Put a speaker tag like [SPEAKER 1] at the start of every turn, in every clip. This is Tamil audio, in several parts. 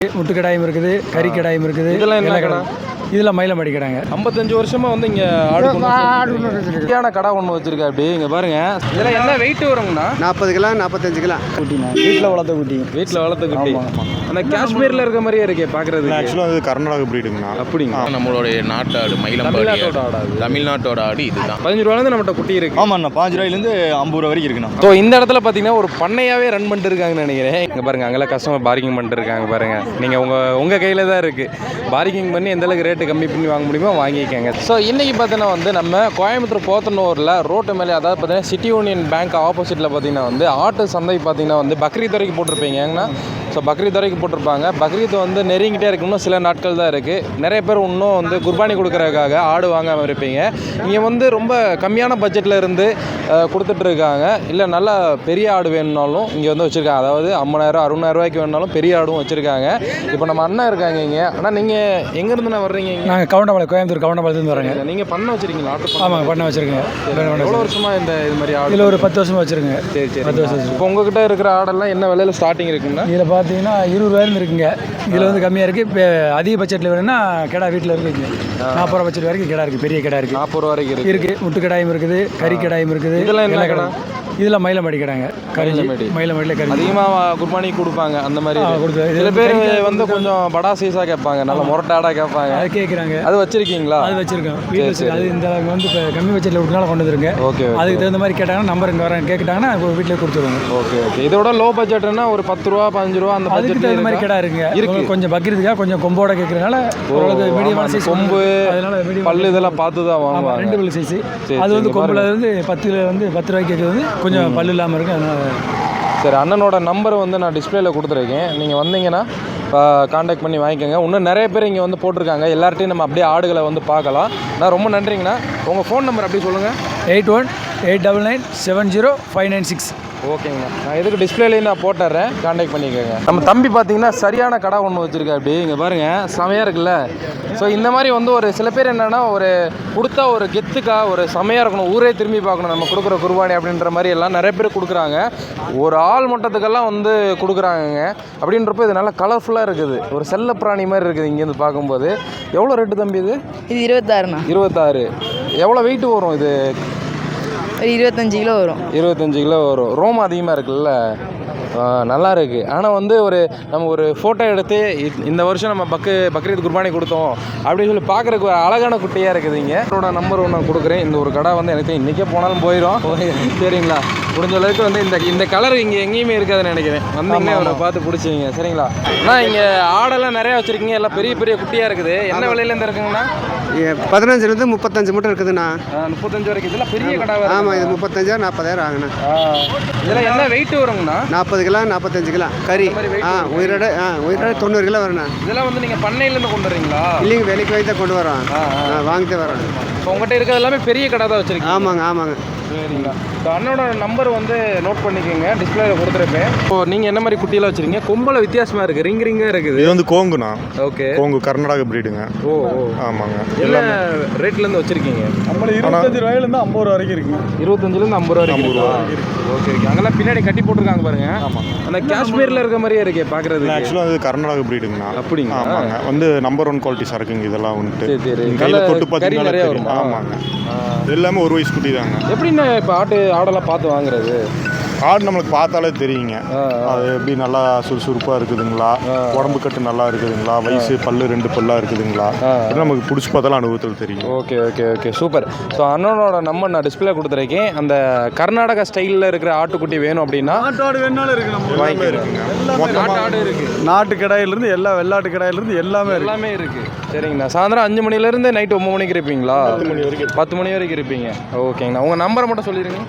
[SPEAKER 1] முட்டுக்கடாயும் இருக்குது, கறிக்கடாயும் இருக்குது.
[SPEAKER 2] இதெல்லாம் என்ன கடை?
[SPEAKER 1] இதெல்லாம் மயிலம்பாடி கடாங்க.
[SPEAKER 2] 55 வருஷமா வந்து இங்க ஆடு கடை ஒன்று வச்சிருக்கா. அப்படி இங்க பாருங்க. இதெல்லாம் என்ன வெயிட் வருங்கண்ணா?
[SPEAKER 3] 40 கிலோ 45 கிலோ
[SPEAKER 1] குட்டிண்ணா, வீட்டில் வளர்த்த குட்டி.
[SPEAKER 2] வீட்டில் வளர்த்த குட்டி. அந்த காஷ்மீர்ல இருக்க மாதிரியே இருக்கே பாக்குறது.
[SPEAKER 4] ஆக்சுவலாக அது கர்நாடக பிரீடுங்கண்ணா.
[SPEAKER 2] அப்படிங்களா?
[SPEAKER 5] நம்மளுடைய நாட்டு ஆடு மயிலம்பாடி தமிழ்நாட்டோட ஆடு இதுதான்.
[SPEAKER 2] 15 ரூபாயிலேருந்து நம்மகிட்ட குட்டி இருக்கு.
[SPEAKER 4] ஆமாண்ணா, 5 ரூபாயிலேருந்து 50 ரூபா வரைக்கும் இருக்குண்ணா.
[SPEAKER 2] ஸோ இந்த இடத்துல பார்த்தீங்கன்னா ஒரு பண்ணையாவே ரன் பண்ணிட்டு இருக்காங்கன்னு நினைக்கிறேன். இங்கே பாருங்க, அங்கெல்லாம் கஸ்டமர் பார்க்கிங் பண்ணிட்டு இருக்காங்க பாருங்க. நீங்கள் உங்கள் கையில் தான் இருக்கு. பார்க்கிங் பண்ணி எந்த அளவுக்கு ரேட்டு கம்மி பண்ணி வாங்க முடியுமோ வாங்கிக்கங்க. ஸோ இன்னைக்கு பார்த்தீங்கன்னா வந்து நம்ம கோயம்புத்தூர் போத்தனூரில் ரோட்டு மேலே, அதாவது பார்த்தீங்கன்னா சிட்டி யூனியன் பேங்க் ஆப்போசிட்டில் பார்த்தீங்கன்னா வந்து ஆட்டு சந்தை பார்த்தீங்கன்னா வந்து பக்ரீத் வரைக்கும் போட்டிருப்பீங்க. ஏங்கன்னா ஸோ பக்ரீத் வரைக்கும் போட்டிருப்பாங்க. பக்ரீத் வந்து நெருங்கிட்டே இருக்கு, இன்னும் சில நாட்கள் தான் இருக்குது. நிறைய பேர் இன்னும் வந்து குர்பானி கொடுக்குறதுக்காக ஆடு வாங்காமல் இருப்பீங்க. இங்கே வந்து ரொம்ப கம்மியான பட்ஜெட்டில் இருந்து கொடுத்துட்ருக்காங்க. இல்லை நல்லா பெரிய ஆடு வேணும்னாலும் இங்கே வந்து வச்சுருக்காங்க. அதாவது 50,000 60,000 ரூபாய்க்கு வேணுனாலும் பெரிய ஆடும் வச்சுருக்காங்க. இப்போ நம்ம அண்ணன் இருக்காங்க இங்கே. ஆனால் நீங்கள் எங்கேருந்து நான் வர்றீங்க?
[SPEAKER 1] நாங்கள் கவுண்டபாளையம், கோயம்புத்தூர் கவுண்டபாளையத்துலேருந்து வரோங்க.
[SPEAKER 2] நீங்கள் பண்ண வச்சுருக்கீங்களா ஆட்டு?
[SPEAKER 1] ஆமாங்க, பண்ண வச்சுருக்கேங்க.
[SPEAKER 2] எவ்வளோ வருஷமாக இது மாதிரி ஆடு?
[SPEAKER 1] இதில் ஒரு 10 வருஷமாக வச்சுருங்க.
[SPEAKER 2] சரி சரி,
[SPEAKER 1] 10 வருஷம்.
[SPEAKER 2] இப்போ உங்ககிட்ட இருக்கிற ஆடெல்லாம் என்ன விலையில் ஸ்டார்டிங் இருக்குன்னா?
[SPEAKER 1] இதில் பார்த்தீங்கன்னா 20 ரூபாயிருந்து இருக்குங்க. இதில் வந்து கம்மியாக இருக்குது. இப்போ அதிக பட்ஜெட்டில் வேணும்னா கிடா வீட்டில் இருக்குங்க. 40 ரூபா பட்ஜெட் வரைக்கும் கிடா இருக்குது, பெரிய கிடா இருக்குது.
[SPEAKER 2] 40 ரூபா வரைக்கும்
[SPEAKER 1] இருக்குது. முட்டுக்கடாயும் இருக்குது, கறிக்கடாயும் இருக்குது.
[SPEAKER 2] இதெல்லாம் என்ன கடை?
[SPEAKER 1] இதெல்லாம் மயிலம்பாடி கடாங்க. மயிலம்பாடியில் கறி
[SPEAKER 2] அதிகமாக குர்பானி கொடுப்பாங்க. அந்த மாதிரி
[SPEAKER 1] கொடுத்து
[SPEAKER 2] சில பேர் வந்து கொஞ்சம் படா சைஸாக கேட்பாங்க, நல்ல முரட்டாடாக கேட்பாங்க.
[SPEAKER 1] அது கேட்குறாங்க.
[SPEAKER 2] அது வச்சிருக்கீங்களா?
[SPEAKER 1] அது வச்சிருக்கோம் வீட்டில். அது இந்த வந்து இப்போ கம்மி பட்ஜெட்டில் விட்டுனால கொண்டு வந்துருங்க.
[SPEAKER 2] ஓகே.
[SPEAKER 1] அதுக்கு தகுந்த மாதிரி கேட்டாங்கன்னா நம்பர் இங்கே வரேன் கேட்டாங்கன்னா வீட்டில் கொடுத்துருவாங்க.
[SPEAKER 2] Okay okay. இதோட லோ பட்ஜெட்னா ஒரு 10 ரூபா 15 ரூபா அந்த
[SPEAKER 1] பட்ஜெட் தகுந்த மாதிரி கிடா இருக்குங்க. கொஞ்சம் பக்ரீதுக்காக கொஞ்சம் கொம்போட கேட்கறதுனால ஓரளவுக்கு மீடியமான சைஸ்
[SPEAKER 2] கொம்பு,
[SPEAKER 1] அதனால
[SPEAKER 2] பல்லு இதெல்லாம் பார்த்து தான் வாங்குவாங்க.
[SPEAKER 1] 2 பல்லு சைஸ். அது வந்து கொம்புல வந்து 10 ரூபாய்க்கு கேட்குறது வந்து கொஞ்சம் பல்லு இல்லாமல் இருக்கு. அதனால
[SPEAKER 2] சரி, அண்ணனோட நம்பர் வந்து நான் டிஸ்பிளேல கொடுத்துருக்கேன். நீங்கள் வந்தீங்கன்னா காண்டாக்ட் பண்ணி வாங்கிக்கோங்க. இன்னும் நிறைய பேர் இங்கே வந்து போட்டிருக்காங்க. எல்லார்ட்டையும் நம்ம அப்படியே ஆடுகளை வந்து பார்க்கலாம். நான் ரொம்ப நன்றிங்கண்ணா. உங்கள் ஃபோன் நம்பர் அப்படி சொல்லுங்கள்.
[SPEAKER 1] 8189970596.
[SPEAKER 2] ஓகேங்கண்ணா, நான் எதுக்கு டிஸ்பிளேலேயும் நான் போட்டுறேன், காண்டாக்ட் பண்ணிக்கோங்க. நம்ம தம்பி பார்த்தீங்கன்னா சரியான கடை ஒன்று வச்சுருக்கா. அப்படி இங்கே பாருங்கள், செமையாக இருக்குல்ல. ஸோ இந்த மாதிரி வந்து ஒரு சில பேர் என்னென்னா ஒரு கொடுத்தா ஒரு கெத்துக்கா ஒரு செமையாக இருக்கணும், ஊரே திரும்பி பார்க்கணும் நம்ம கொடுக்குற குர்பானி அப்படின்ற மாதிரி எல்லாம் நிறைய பேர் கொடுக்குறாங்க. ஒரு ஆள் மட்டத்துக்கெல்லாம் வந்து கொடுக்குறாங்கங்க. அப்படின்றப்போ இது நல்லா கலர்ஃபுல்லாக இருக்குது, ஒரு செல்ல பிராணி மாதிரி இருக்குது இங்கேருந்து பார்க்கும்போது. எவ்வளோ ரேட்டு தம்பி இது?
[SPEAKER 6] இது 26ண்ணா.
[SPEAKER 2] 26. எவ்வளோ வெயிட்டு வரும் இது?
[SPEAKER 6] ஒரு 25 கிலோ வரும்.
[SPEAKER 2] 25 கிலோ வரும். ரோம் அதிகமாக இருக்குல்ல, நல்லா இருக்குது. ஆனால் வந்து நம்ம ஒரு ஃபோட்டோ எடுத்து இந்த வருஷம் நம்ம பக்ரீத் குர்பானி கொடுத்தோம் அப்படின்னு சொல்லி பார்க்குறதுக்கு ஒரு அழகான குட்டியாக இருக்குது. இங்கே என்னோட நம்பர் ஒன்று கொடுக்குறேன். இந்த ஒரு கடை வந்து எனக்கு இன்றைக்கே போனாலும் போயிடும். சரிங்களா? முடிஞ்ச அளவுக்கு வந்து இந்த கலர் இங்கே எங்கேயுமே இருக்காதுன்னு நினைக்கிறேன். வந்தீங்கன்னா அவரை பார்த்து பிடிச்சிங்க. சரிங்களா? ஆனால் இங்கே ஆடெல்லாம் நிறையா வச்சுருக்கீங்க, எல்லாம் பெரிய பெரிய குட்டியாக இருக்குது. என்ன விலையிலேருந்து இருக்குங்கண்ணா?
[SPEAKER 3] 15லேருந்து 35 மட்டும் இருக்குதுண்ணா.
[SPEAKER 2] 35 வரைக்கும். இதெல்லாம் பெரிய கடை.
[SPEAKER 3] ஆமாம், இது 35,000 40,000 ஆகுண்ணா.
[SPEAKER 2] இதெல்லாம் என்ன வெயிட் வருங்கண்ணா?
[SPEAKER 3] 40 கிலோ 45 கிலோ கறி. உயிரோட 90 கிலோ வருண்ணா.
[SPEAKER 2] இதெல்லாம் வந்து நீங்கள் பண்ணையிலேருந்து கொண்டு வரீங்களா?
[SPEAKER 3] இல்லைங்க, வேலைக்கு வாங்கி தான் கொண்டு வரோம். வாங்கிட்டு வரோம்.
[SPEAKER 2] இப்போ உங்கள்கிட்ட இருக்கிறது எல்லாமே பெரிய கடை தான் வச்சுருக்கீங்க?
[SPEAKER 3] ஆமாங்க.
[SPEAKER 2] சரிங்களா? இப்போ அண்ணனோட நம்பர் வந்து நோட் பண்ணிக்கோங்க, டிஸ்பிளேல கொடுத்துருப்பேன். இப்போ நீங்கள் என்ன மாதிரி குட்டியெல்லாம் வச்சுருக்கீங்க? கொம்பல வித்தியாசமாக இருக்குது, ரிங்காக இருக்குது.
[SPEAKER 4] இது வந்து கோங்குண்ணா.
[SPEAKER 2] ஓகே.
[SPEAKER 4] கோங்கு கர்நாடக பிரீடுங்க.
[SPEAKER 2] ஓ.
[SPEAKER 4] ஆமாங்க.
[SPEAKER 2] என்ன ரேட்லேருந்து வச்சுருக்கீங்க?
[SPEAKER 1] நம்மள 25 ரூபாயிலேருந்து 50 ரூபா வரைக்கும் இருக்குது.
[SPEAKER 2] 25லேருந்து 50 ரூபா வரைக்கும் இருக்குது. Okay okay. அங்கெல்லாம் பின்னாடி கட்டி போட்டிருக்காங்க பாருங்க.
[SPEAKER 4] ஆமாங்க.
[SPEAKER 2] அந்த காஷ்மீரில் இருக்க மாதிரியே இருக்கே பார்க்குறது.
[SPEAKER 4] ஆக்சுவலாக அது கர்நாடக பிரீடுங்கண்ணா.
[SPEAKER 2] அப்படிங்க?
[SPEAKER 4] ஆமாங்க. வந்து நம்பர் 1 குவாலிட்டி சரக்குங்க இதெல்லாம் வந்துட்டு.
[SPEAKER 2] சரி.
[SPEAKER 4] கையில் தொட்டு பார்த்தீங்கன்னா
[SPEAKER 2] நிறைய வரும்.
[SPEAKER 4] ஆமாங்க. எல்லாமே ஒரு வயசு குட்டி தாங்க.
[SPEAKER 2] எப்படின்னா இப்போ ஆடெல்லாம் பார்த்து வாங்குறது?
[SPEAKER 4] ஆடு நம்மளுக்கு பார்த்தாலே தெரியுங்க. அது எப்படி நல்லா சுறுசுறுப்பாக இருக்குதுங்களா, உடம்பு கட்டு நல்லா இருக்குதுங்களா, வயசு பல்லு 2 பல்லா இருக்குதுங்களா, நமக்கு பிடிச்சி பார்த்தாலும் அனுபவத்தில் தெரியும்.
[SPEAKER 2] Okay okay okay, super. So அண்ணனோட நம்பர் நான் டிஸ்பிளே கொடுத்துருக்கேன். அந்த கர்நாடகா ஸ்டைலில் இருக்கிற ஆட்டுக்குட்டி வேணும் அப்படின்னா
[SPEAKER 1] நாட்டாடு வேணாலும் இருக்குது. நம்ம
[SPEAKER 4] இருக்குங்க.
[SPEAKER 2] நாட்டாடு இருக்குது,
[SPEAKER 1] நாட்டு கடாயிலிருந்து எல்லா வெள்ளாட்டு கடாயிலிருந்து எல்லாமே
[SPEAKER 2] இருக்குது. சரிங்கண்ணா. சாயந்தரம் 5 மணிலேருந்து நைட்டு 9 மணிக்கு இருப்பீங்களா? 10 மணி வரைக்கும் இருப்பீங்க. ஓகேங்கண்ணா. உங்கள் நம்பரை மட்டும் சொல்லிடுங்க.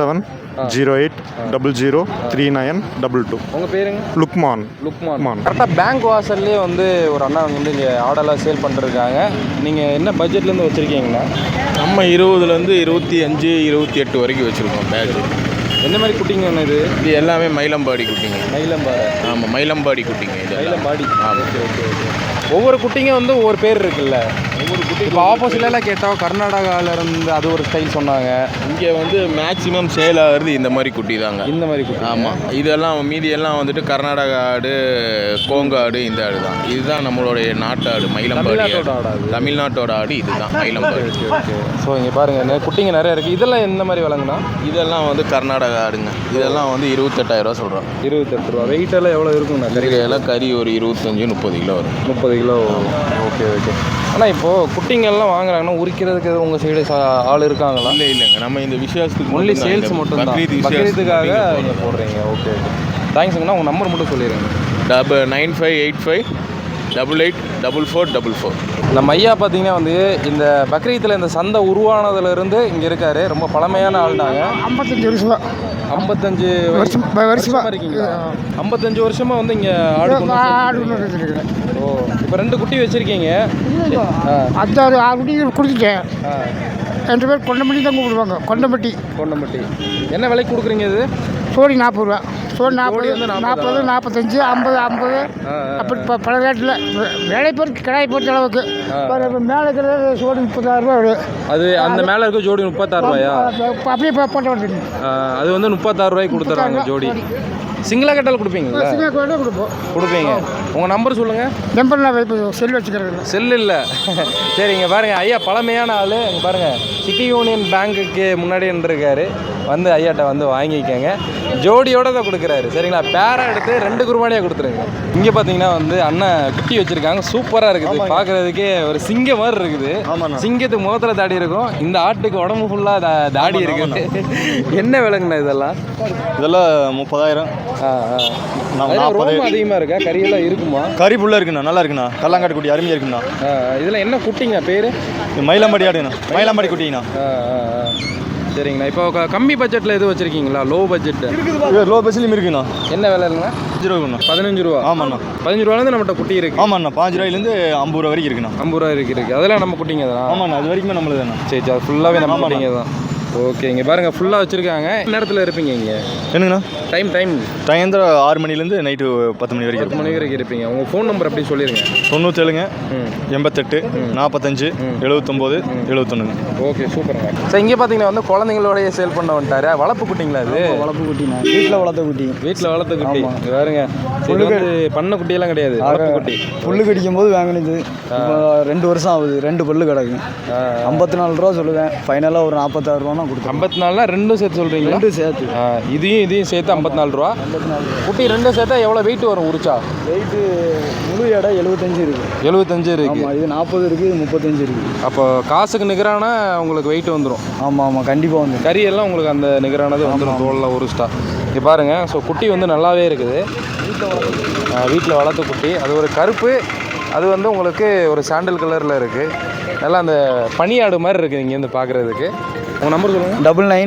[SPEAKER 4] 7708003922.
[SPEAKER 2] உங்கள் பேருங்க?
[SPEAKER 4] லுக்மான்.
[SPEAKER 2] கரெக்டாக பேங்க் வாசல்லே வந்து ஒரு அண்ணா வந்து இங்கே ஆடெல்லாம் சேல் பண்ணிருக்காங்க. நீங்கள் என்ன பட்ஜெட்லேருந்து வச்சுருக்கீங்கண்ணா?
[SPEAKER 5] நம்ம 20லேருந்து 25 28 வரைக்கும் வச்சுருக்கோம் பேட்ச்.
[SPEAKER 2] எந்த மாதிரி குட்டிங்க இது?
[SPEAKER 5] இது எல்லாமே மயிலம்பாடி குட்டிங்க.
[SPEAKER 2] மயிலம்பாடி?
[SPEAKER 5] ஆமாம், மயிலம்பாடி குட்டிங்க. இது
[SPEAKER 2] மயிலம்பாடி.
[SPEAKER 5] ஆமாம்.
[SPEAKER 2] ஓகே. ஒவ்வொரு குட்டிங்க வந்து ஒவ்வொரு பேர் இருக்குல்ல. இப்போ ஆப்போசிட்லாம் கேட்டால் கர்நாடகாவிலேருந்து அது ஒரு ஸ்டைல் சொன்னாங்க.
[SPEAKER 5] இங்கே வந்து மேக்ஸிமம் சேல் ஆகிறது இந்த மாதிரி குட்டி தாங்க.
[SPEAKER 2] இந்த மாதிரி குட்டி.
[SPEAKER 5] ஆமாம், இதெல்லாம் மீதியெல்லாம் வந்துட்டு கர்நாடகா ஆடு, கோங்க ஆடு, இந்த ஆடு தான். இதுதான் நம்மளுடைய நாட்டு ஆடு, மயிலம்பாடி ஆடு. தமிழ்நாட்டோட ஆடு இதுதான் மயிலம்பாடி.
[SPEAKER 2] ஓகே. ஸோ இங்கே பாருங்கள் குட்டிங்க நிறையா இருக்குது. இதெல்லாம் எந்த மாதிரி விலங்குனா?
[SPEAKER 5] இதெல்லாம் வந்து கர்நாடகா ஆடுங்க. இதெல்லாம் வந்து 28,000 சொல்கிறோம்.
[SPEAKER 2] 28 ரூபா. வெயிட்டெல்லாம் எவ்வளோ இருக்குங்கண்ணா?
[SPEAKER 5] கறியெல்லாம் கறி ஒரு 25-30 கிலோ வரும்.
[SPEAKER 2] 30 கிலோ. Okay okay. ஆனால் இப்போது குட்டிங்கெல்லாம் வாங்குறாங்கன்னா உரிக்கிறதுக்கு எதுவும் உங்கள் சைடு ஆள் இருக்காங்களா?
[SPEAKER 5] இல்லைங்க, நம்ம இந்த விசேஷத்துக்கு
[SPEAKER 2] ஒன்லி சேல்ஸ் மட்டும் தான். பக்ரீத்துக்காக நீங்கள் போடுறீங்க. Okay okay. தேங்க்ஸுங்கண்ணா. உங்கள் நம்பர் மட்டும் சொல்லிடுங்க.
[SPEAKER 5] 9585884444.
[SPEAKER 2] நம்ம ஐயா பார்த்தீங்கன்னா வந்து இந்த பக்ரீத்தில் இந்த சந்தை உருவானதுலேருந்து இங்கே இருக்கார். ரொம்ப பழமையான ஆள் நாங்கள்.
[SPEAKER 3] 55 வருஷம்
[SPEAKER 2] 55 வருஷமா இருக்கீங்களா? 55 வருஷமாக வந்து இங்கே ஆடு ஓ, இப்போ 2 குட்டி வச்சுருக்கீங்க.
[SPEAKER 3] 6 குட்டி கொடுத்துட்டேன். 2 பேர் கொண்டம்பட்டி தான் கூப்பிடுவாங்க. கொண்டம்பட்டி.
[SPEAKER 2] என்ன விலைக்கு கொடுக்குறீங்க இது?
[SPEAKER 3] சோடி 40 ரூபா. சோடி 40, 45, 50 அப்படி பல ரேட்டில் வேலை பொறுத்து கிடாய் பொறுத்த அளவுக்கு. மேலே இருக்கிறது சோடி 36 ரூபா வரும்.
[SPEAKER 2] அது அந்த மேலே இருக்க ஜோடி 36 ரூபாயா?
[SPEAKER 3] அப்படியே போட்ட வந்து
[SPEAKER 2] அது வந்து 36 ரூபாய்க்கு கொடுத்துட்றாங்க ஜோடி. சிங்கிளாக கட்டால் கொடுப்பீங்களா? கொடுப்பீங்க. உங்கள் நம்பர் சொல்லுங்கள்.
[SPEAKER 3] நம்பர் நான் செல் வச்சுக்கிறது.
[SPEAKER 2] செல் இல்லை. சரி, இங்கே பாருங்கள் ஐயா பழமையான ஆள். இங்கே பாருங்கள் சிட்டி யூனியன் பேங்க்குக்கு முன்னாடி இருக்காரு. வந்து ஐயாட்ட வந்து வாங்கிக்கோங்க. ஜோடியோடு தான் கொடுக்குறாரு. சரிங்களா? பேராக எடுத்து 2 குருபானியாக கொடுத்துருங்க. இங்கே பார்த்தீங்கன்னா வந்து அண்ணன் குட்டி வச்சுருக்காங்க. சூப்பராக இருக்குது. பார்க்குறதுக்கே ஒரு சிங்கம் மாதிரி இருக்குது. சிங்கத்துக்கு முகத்தில் தாடி இருக்கும். இந்த ஆட்டுக்கு உடம்பு ஃபுல்லாக தாடி இருக்குது. என்ன விலங்குண்ணா இதெல்லாம்?
[SPEAKER 7] இதெல்லாம் 30,000.
[SPEAKER 2] ரொம்ப அதிகமாக இருக்கா? கறியெல்லாம் இருக்குமா?
[SPEAKER 7] கறி புள்ள இருக்குண்ணா, நல்லா இருக்குண்ணா. கல்லாங்காட்டு குட்டி அருமையாக இருக்குண்ணா.
[SPEAKER 2] இதில் என்ன குட்டிங்க பேர்?
[SPEAKER 7] மயிலம்பாடி ஆடுண்ணா, மயிலம்பாடி குட்டிங்கண்ணா.
[SPEAKER 2] சரிங்கண்ணா. இப்போ கம்மி பட்ஜெட்டில் எதுவும் வச்சுருக்கீங்களா? Low budget?
[SPEAKER 7] லோ பட்ஜெட்லையும் இருக்குண்ணா.
[SPEAKER 2] என்ன விலை இல்லைங்க?
[SPEAKER 7] 5 ரூபாண்ணா.
[SPEAKER 2] 15 ரூபா.
[SPEAKER 7] ஆமாண்ணா.
[SPEAKER 2] 15 ரூபாலேருந்து நம்மகிட்ட குட்டி இருக்குது.
[SPEAKER 7] ஆமாண்ணா. 5 ரூபாயிலேருந்து 50 ரூபா வரைக்கும் இருக்குண்ணா.
[SPEAKER 2] 50 ரூபா இருக்குது. அதெல்லாம் நம்ம குட்டிங்க தான்.
[SPEAKER 7] ஆமாண்ணா, அது வரைக்குமே நம்மளது தானே.
[SPEAKER 2] சரி, அது ஃபுல்லாகவே நம்ம குட்டிங்க தான். ஓகே. இங்கே பாருங்கள் ஃபுல்லாக வச்சுருக்காங்க. நேரத்தில் இருப்பீங்க இங்கே?
[SPEAKER 7] என்னங்கண்ணா?
[SPEAKER 2] டைம்
[SPEAKER 7] 6 மணிலேருந்து நைட்டு 10 மணி வரைக்கும்.
[SPEAKER 2] 10 மணி வரைக்கும் இருப்பீங்க. உங்கள் ஃபோன் நம்பர் அப்படி சொல்லிடுங்க.
[SPEAKER 7] 97 88 45 79 71.
[SPEAKER 2] ஓகே, சூப்பருங்க. சார் இங்கே பார்த்தீங்கன்னா வந்து குழந்தைங்களோடய சேல் பண்ண வந்துட்டாரு. வளர்ப்பு குட்டிங்களா அது?
[SPEAKER 3] வளர்ப்பு குட்டிண்ணா. வீட்டில் வளர்த்த குட்டி.
[SPEAKER 2] வீட்டில் வளர்த்த குட்டி. பாருங்க பண்ண குட்டியெல்லாம் கிடையாது. வளர்ப்பு குட்டி.
[SPEAKER 3] புல்லு கடிக்கும் போது வாங்கினது. 2 வருஷம் ஆகுது. 2 பல்லு கிடக்கு. 54 ரூபா சொல்லுவேன். ஃபைனலாக ஒரு 46 ரூபா தான் கொடுத்தேன்.
[SPEAKER 2] 54 ரெண்டும் சேர்த்து சொல்கிறீங்களா?
[SPEAKER 3] 2 சேர்த்து.
[SPEAKER 2] இதையும் சேர்த்து 54 ரூபா. குட்டி 2 சேர்த்தா எவ்வளோ வெயிட் வரும் உரிச்சா?
[SPEAKER 3] வெயிட்டு முழு எடை 75 இருக்குது.
[SPEAKER 2] 75 இருக்குது.
[SPEAKER 3] இது 40 இருக்குது, 35 இருக்குது.
[SPEAKER 2] அப்போ காசுக்கு நிகரான உங்களுக்கு வெயிட் வந்துடும்.
[SPEAKER 3] ஆமாம், கண்டிப்பாக வந்து
[SPEAKER 2] கறியெல்லாம் உங்களுக்கு அந்த நிகரானது வந்துடும். தோலில் உரிச்சிட்டா. இங்கே பாருங்கள். ஸோ குட்டி வந்து நல்லாவே இருக்குது. வீட்டில் வளர்த்த குட்டி. அது ஒரு கருப்பு. அது வந்து உங்களுக்கு ஒரு சாண்டல் கலரில் இருக்குது. நல்லா அந்த பனியாடு மாதிரி இருக்குது இங்கேருந்து பார்க்குறதுக்கு. உங்கள் நம்பர் சொல்லுங்கள்.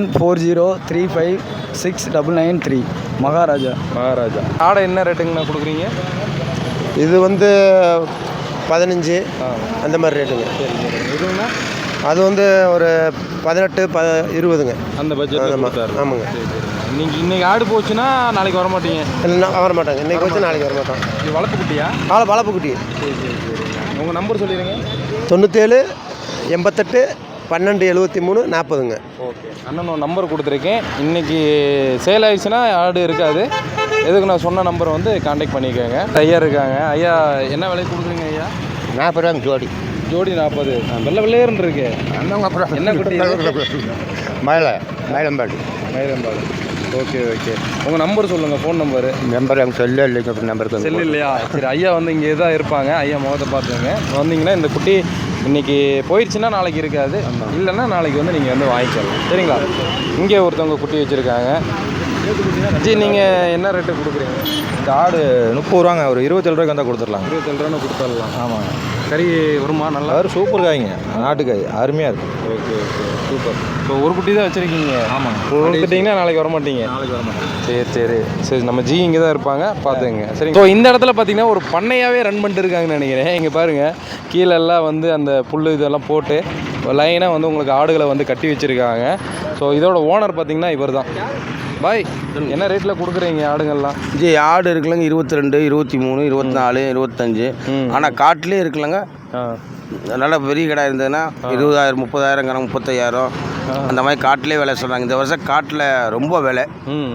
[SPEAKER 3] 9940356993. மகாராஜா.
[SPEAKER 2] ஆடை என்ன ரேட்டுங்கண்ணா கொடுக்குறீங்க?
[SPEAKER 8] இது வந்து 15 அந்த மாதிரி ரேட்டுங்க.
[SPEAKER 2] எதுங்கண்ணா?
[SPEAKER 8] அது வந்து ஒரு 18 20ங்க
[SPEAKER 2] அந்த பட்ஜெட்.
[SPEAKER 8] ஆமாங்க.
[SPEAKER 2] இன்னைக்கு ஆடு போச்சுன்னா நாளைக்கு வர மாட்டீங்க?
[SPEAKER 8] இல்லைன்னா வர மாட்டாங்க. இன்றைக்கி வச்சு நாளைக்கு வர மாட்டோம்.
[SPEAKER 2] இது வளர்ப்பு குட்டியா?
[SPEAKER 8] வளர்ப்பு குட்டி.
[SPEAKER 2] சரி. உங்கள் நம்பர் சொல்லிடுங்க.
[SPEAKER 8] 97 88 12 73 40ங்க.
[SPEAKER 2] ஓகே. அண்ணனோட நம்பர் கொடுத்துருக்கேன். இன்றைக்கி சேல் ஆயிடுச்சுன்னா ஆடு இருக்காது. எதுக்கு நான் சொன்ன நம்பரை வந்து கான்டாக்ட் பண்ணிக்கோங்க. ஐயா இருக்காங்க. ஐயா என்ன விலை கொடுக்குறீங்க ஐயா?
[SPEAKER 8] 40 ரூபாங்க ஜோடி.
[SPEAKER 2] ஜோடி 40. வெள்ளையர்னு இருக்கு. என்ன குட்டி?
[SPEAKER 8] மயிலம்பாடி.
[SPEAKER 2] ஓகே. உங்கள் நம்பர் சொல்லுங்கள். Phone number.
[SPEAKER 8] அங்கே செல்லு இல்லைங்க. நம்பர்
[SPEAKER 2] செல்லு இல்லையா? சரி, ஐயா வந்து இங்கே தான் இருப்பாங்க. ஐயா முகத்தை பார்த்துங்க. வந்தீங்கன்னா இந்த குட்டி இன்றைக்கி போயிடுச்சுன்னா நாளைக்கு இருக்காது. இல்லைன்னா நாளைக்கு வந்து நீங்கள் வந்து வாங்கிக்கலாம். சரிங்களா? இங்கே ஒருத்தவங்க குட்டி வச்சுருக்காங்க. ஜி, நீங்கள் என்ன ரேட்டு கொடுக்குறீங்க?
[SPEAKER 7] இந்த ஆடு 30 ரூபாங்க. ஒரு 27 ரூபாய்க்கு வந்தால் கொடுத்துடலாம்.
[SPEAKER 2] 27 ரூபா கொடுத்துடலாம்.
[SPEAKER 7] ஆமாங்க.
[SPEAKER 2] கறி வருமா? நல்லா
[SPEAKER 7] சூப்பர் காய்ங்க. நாட்டுக்காய் அருமையாக இருக்கும்.
[SPEAKER 2] ஓகே. சூப்பர். இப்போ ஒரு குட்டி தான் வச்சுருக்கீங்க?
[SPEAKER 7] ஆமாங்க.
[SPEAKER 2] கொடுத்துட்டிங்கன்னா நாளைக்கு வர மாட்டீங்க?
[SPEAKER 7] நாளைக்கு வர மாட்டேன்.
[SPEAKER 2] சரி. நம்ம ஜி இங்கே தான் இருப்பாங்க. பார்த்துங்க. சரி. ஸோ இந்த இடத்துல பார்த்தீங்கன்னா ஒரு பண்ணையாகவே ரன் பண்ணிட்டு இருக்காங்கன்னு நினைக்கிறேன். இங்கே பாருங்கள். கீழெல்லாம் வந்து அந்த புல் இதெல்லாம் போட்டு லைனாக வந்து உங்களுக்கு ஆடுகளை வந்து கட்டி வச்சுருக்காங்க. ஸோ இதோட ஓனர் பார்த்தீங்கன்னா இவர் தான். பாய், என்ன ரேட்டில் கொடுக்குறீங்க ஆடுங்கள்லாம்?
[SPEAKER 9] ஜி, ஆடு இருக்குல்லங்க 22 23 24 25. ஆனால் காட்டிலே இருக்குல்லங்க
[SPEAKER 8] நல்ல பெரிய கடை இருந்ததுன்னா 20,000 30,000 கணக்கு 35,000 அந்த மாதிரி காட்டிலே விலை சொல்கிறாங்க. இந்த வருஷம் காட்டில் ரொம்ப விலை.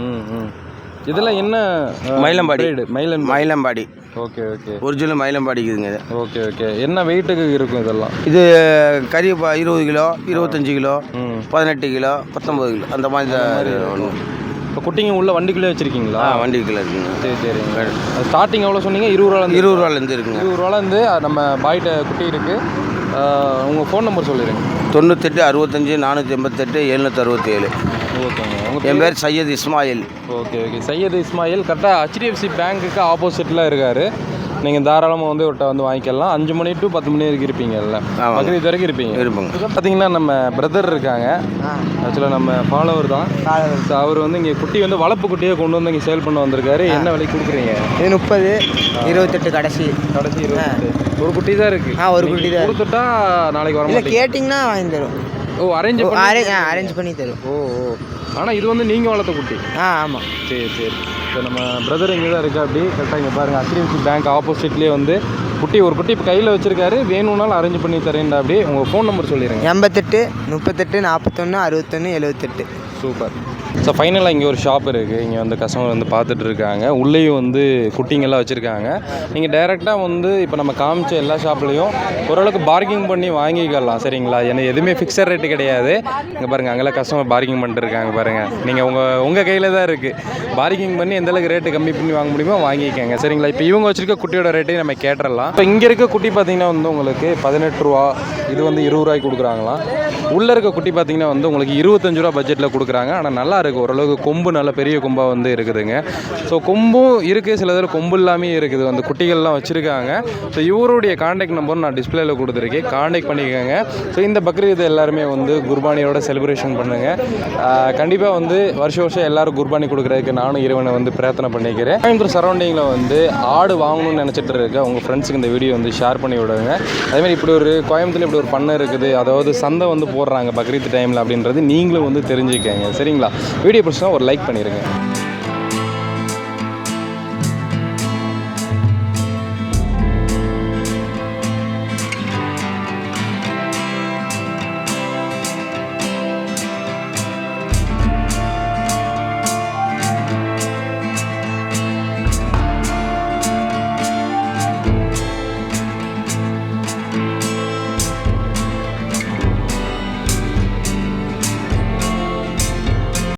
[SPEAKER 2] இதெல்லாம் என்ன
[SPEAKER 8] மயிலம்பாடி.
[SPEAKER 2] மயிலம்பாடி. ஓகே
[SPEAKER 8] ஒரிஜினல் மயிலம்பாடிக்குதுங்க இது.
[SPEAKER 2] ஓகே என்ன வெயிட்டுக்கு இருக்கும் இதெல்லாம்?
[SPEAKER 8] இது கறி 20 கிலோ 25 கிலோ 18 கிலோ 19 கிலோ அந்த மாதிரி ஒன்று.
[SPEAKER 2] இப்போ குட்டிங்க உள்ள வண்டிக்குள்ளே வச்சுருக்கீங்களா?
[SPEAKER 8] வண்டிக்குள்ளே இருக்குங்க.
[SPEAKER 2] சரிங்க. ஸ்டார்டிங் எவ்வளோ சொன்னீங்க? 20
[SPEAKER 8] ரூபாலேருந்து இருக்குங்க.
[SPEAKER 2] 20 ரூபாலேருந்து நம்ம பாய்ட்ட குட்டி இருக்குது. உங்கள் ஃபோன் நம்பர் சொல்லிடுங்க.
[SPEAKER 8] 98 65 488 767.
[SPEAKER 2] ஓகேங்க.
[SPEAKER 8] என் பேர் சையத் இஸ்மாயில்.
[SPEAKER 2] ஓகே சையத் இஸ்மாயில் கரெக்டாக HDFC பேங்க்குக்கு ஆப்போசிட்டில் இருக்கார். நீங்கள் தாராளமாக வந்து ஒருட்ட வந்து வாங்கிக்கலாம். 5 மணி டு 10 மணி வரைக்கும் இருப்பீங்கல்ல? பக்ரீத் வரைக்கும் இருப்பாங்க. பார்த்தீங்கன்னா நம்ம பிரதர் இருக்காங்க. ஆக்சுவலாக நம்ம ஃபாலோவர் தான். ஸோ அவர் வந்து இங்கே குட்டி வந்து வளர்ப்பு குட்டியை கொண்டு வந்து இங்கே சேல் பண்ண வந்திருக்காரு. என்ன விலைக்கு கொடுக்குறீங்க?
[SPEAKER 8] இது 30 28 கடைசி
[SPEAKER 2] 28. ஒரு குட்டி தான் இருக்குது.
[SPEAKER 8] ஒரு குட்டி தான்
[SPEAKER 2] கொடுத்துட்டா நாளைக்கு வர மாட்டேங்க.
[SPEAKER 8] கேட்டிங்கன்னா வாங்கி தரும். அரேஞ்ச் பண்ணி தரும்.
[SPEAKER 2] ஆனால் இது வந்து நீங்கள் வளர்த்த குட்டி?
[SPEAKER 8] ஆமாம்.
[SPEAKER 2] சரி. இப்போ நம்ம பிரதர் இங்கே தான் இருக்கா. அப்படி கரெக்டாக இங்கே பாருங்கள். HDFC பேங்க் ஆப்போசிட்லேயே வந்து ஒரு குட்டி இப்போ கையில் வச்சுருக்காரு. வேணும்னாலும் அரேஞ்ச் பண்ணி தரேன்டா. அப்படி உங்கள் ஃபோன் நம்பர் சொல்லிடுங்க.
[SPEAKER 8] 88 38 41 61 78.
[SPEAKER 2] சூப்பர். ஸோ ஃபைனலாக இங்கே ஒரு ஷாப் இருக்குது. இங்கே வந்து கஸ்டமர் வந்து பார்த்துட்டு இருக்காங்க. உள்ளேயும் வந்து குட்டிங்கெல்லாம் வச்சுருக்காங்க. நீங்கள் டைரெக்டாக வந்து இப்போ நம்ம காமிச்ச எல்லா ஷாப்லேயும் ஓரளவுக்கு பார்கிங் பண்ணி வாங்கிக்கலாம். சரிங்களா? ஏன்னா எதுவுமே ஃபிக்ஸட் ரேட்டு கிடையாது. இங்கே பாருங்கள், அங்கெல்லாம் கஸ்டமர் பார்கிங் பண்ணிட்டு இருக்காங்க பாருங்கள். நீங்கள் உங்கள் கையில் தான் இருக்குது. பார்கிங் பண்ணி எந்தளவுக்கு ரேட்டு கம்மி பண்ணி வாங்க முடியுமோ வாங்கிக்கோங்க. சரிங்களா? இப்போ இவங்க வச்சுருக்க குட்டியோட ரேட்டையும் நம்ம கேட்டுடலாம். இப்போ இங்கே இருக்க குட்டி பார்த்திங்கன்னா வந்து உங்களுக்கு 18 ரூபா. இது வந்து 20 ரூபாய்க்கு கொடுக்குறாங்களாம். உள்ளே இருக்க குட்டி பார்த்திங்கன்னா வந்து உங்களுக்கு 25 ரூபா பட்ஜெட்டில் கொடுக்குறாங்க. ஆனால் நல்லா இருக்குது. ஓரளவுக்கு கொம்பு நல்ல பெரிய கொம்பாக வந்து இருக்குதுங்க. ஸோ கொம்பும் இருக்குது, சில இதில் கொம்பு இல்லாமல் இருக்குது. வந்து குட்டிகள்லாம் வச்சுருக்காங்க. ஸோ இவருடைய காண்டாக்ட் நம்பர் நான் டிஸ்பிளேல கொடுத்துருக்கேன். காண்டாக்ட் பண்ணிக்கோங்க. ஸோ இந்த பக்ரீத் எல்லாருமே வந்து குர்பானியோட செலிப்ரேஷன் பண்ணுங்கள். கண்டிப்பாக வந்து வருஷம் எல்லோரும் குர்பானி கொடுக்குறதுக்கு நானும் இறைவனை வந்து பிரார்த்தனை பண்ணிக்கிறேன். கோயம்புத்தூர் சரௌண்டிங்கில் வந்து ஆடு வாங்கணும்னு நினச்சிட்டு இருக்க உங்கள் ஃப்ரெண்ட்ஸுக்கு இந்த வீடியோ வந்து ஷேர் பண்ணி விடுங்க. அதேமாதிரி கோயம்புத்தூரில் இப்படி ஒரு பண்ணை இருக்குது, அதாவது சந்தை வந்து போடுறாங்க பக்ரீத் டைமில் அப்படின்றது நீங்களும் வந்து தெரிஞ்சுக்கங்க. சரிங்களா? வீடியோ பிடிச்சா ஒரு லைக் பண்ணிடுங்க.